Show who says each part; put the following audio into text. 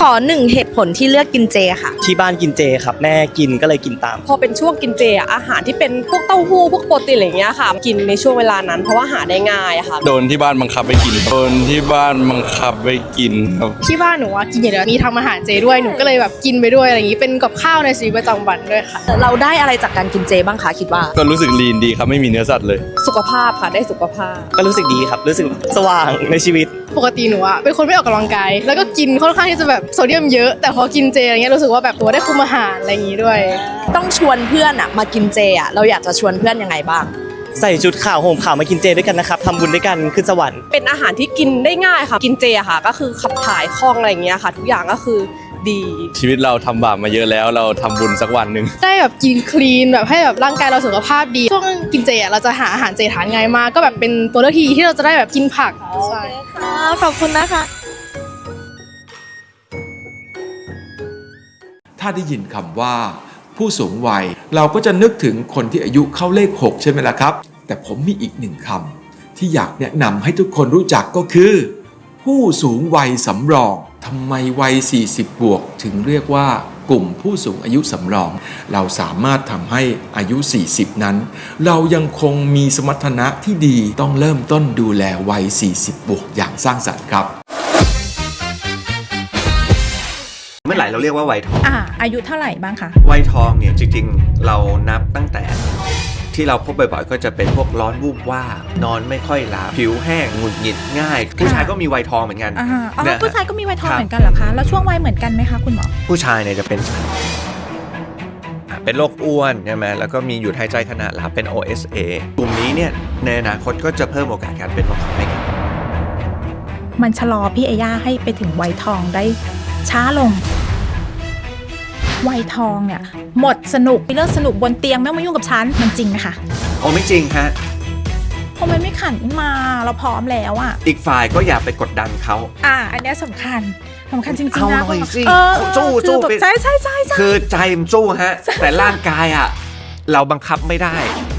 Speaker 1: ขอ1เหตุผลที่เลือกกินเจค่ะ
Speaker 2: ที่บ้านกินเจครับแม่กินก็เลยกินตาม
Speaker 3: พอเป็นช่วงกินเจอาหารที่เป็นพวกเต้าหู้พวกโปรตีนอะไรอย่างเงี้ยค่ะกินในช่วงเวลานั้นเพราะว่าหาได้ง่ายค่ะ
Speaker 4: โดนที่บ้านบังคับไปกินโดนที่บ้านบังคับไปกินครับ
Speaker 5: ที่บ้านหนูกินอย่างเดียวมีทำอาหารเจด้วยหนูก็เลยแบบกินไปด้วยอะไรอย่างงี้เป็นกับข้าวในชีวิตประจำวันด้วยค่ะ
Speaker 1: เราได้อะไรจากการกินเจบ้างคะคิดว่า
Speaker 4: ก็รู้สึกลีนดีครับไม่มีเนื้อสัตว์เลย
Speaker 3: สุขภาพค่ะได้สุขภาพ
Speaker 2: ก็รู้สึกดีครับรู้สึกสว่างในชีวิต
Speaker 5: ปกติหนูเป็นคนไม่ออกกำลังกายแล้วก็กินค่อนข้างที่จะแบบโซเดียมเยอะแต่พอกินเจอะไรเงี้ยรู้สึกว่าแบบตัวได้คุมอาหารอะไรอย่างงี้ด้วย
Speaker 1: ต้องชวนเพื่อนมากินเจเราอยากจะชวนเพื่อนยังไงบ้าง
Speaker 2: ใส่ชุดขาวห่มขาวมากินเจด้วยกันนะครับทำบุญด้วยกันขึ้นสวรรค์
Speaker 3: เป็นอาหารที่กินได้ง่ายค่ะกินเจค่ะก็คือขับถ่ายคล่องอะไรอย่างเงี้ยค่ะทุกอย่างก็คือดี
Speaker 4: ชีวิตเราทำบาปมาเยอะแล้วเราทำบุญสักวันหนึ่ง
Speaker 5: ได้แบบกินคลีนแบบให้แบบร่างกายเราสุขภาพดีช่วงกินเจเราจะหาอาหารเจทานง่ายมากก็แบบเป็นตัวเลือกที่เราจะได้แบบกินผักใช่
Speaker 1: ขอบคุณนะคะ
Speaker 6: ถ้าได้ยินคำว่าผู้สูงวัยเราก็จะนึกถึงคนที่อายุเข้าเลข6ใช่ไหมล่ะครับแต่ผมมีอีกหนึ่งคำที่อยากแนะนำให้ทุกคนรู้จักก็คือผู้สูงวัยสำรองทำไมวัย40บวกถึงเรียกว่ากลุ่มผู้สูงอายุสำรองเราสามารถทำให้อายุ40นั้นเรายังคงมีสมรรถนะที่ดีต้องเริ่มต้นดูแลวัย40บวกอย่างสร้างสรรค์ครับ
Speaker 7: เมื่อไหร่เราเรียกว่าวัยทอง
Speaker 8: อายุเท่าไหร่บ้างคะ
Speaker 7: วัยทองเนี่ยจริงๆเรานับตั้งแต่ที่เราพบบ่อยๆก็จะเป็นพวกร้อนวูบว่าบนอนไม่ค่อยหลับผิวแห้งหงุดหงิดง่ายผู้ชายก็มีวัยทองเหมือนกัน
Speaker 8: ผู้ชายก็มีวัยทองเหมือนกันเหรอคะแล้วช่วงวัยเหมือนกันไหมคะคุณหมอ
Speaker 7: ผู้ชายเนี่ยจะเป็นโรคอ้วนใช่ไหมแล้วก็มีหยุดหายใจขณะหลับเป็น OSA กลุ่มนี้เนี่ยในอนาคตก็จะเพิ่มโอกาสการเป็นโรคให้กัน
Speaker 8: มันชะลอพี่เอย่าให้ไปถึงวัยทองได้ช้าลงวัยทองเนี่ยหมดสนุกเรื่องสนุกบนเตียงไม่มายุ่งกับฉันมันจริงไหมคะ
Speaker 7: โอ้ไม่จริงฮะ
Speaker 8: เพราะมันไม่ขันมาเราพร้อมแล้ว
Speaker 7: อีกฝ่ายก็อย่าไปกดดันเขา
Speaker 8: อันนี้สำคัญจริงๆนะ
Speaker 7: เอาหน่อยสิสู้
Speaker 8: ใช่
Speaker 7: คือใจมันสู้ฮะแต่ร่างกายเราบังคับไม่ได้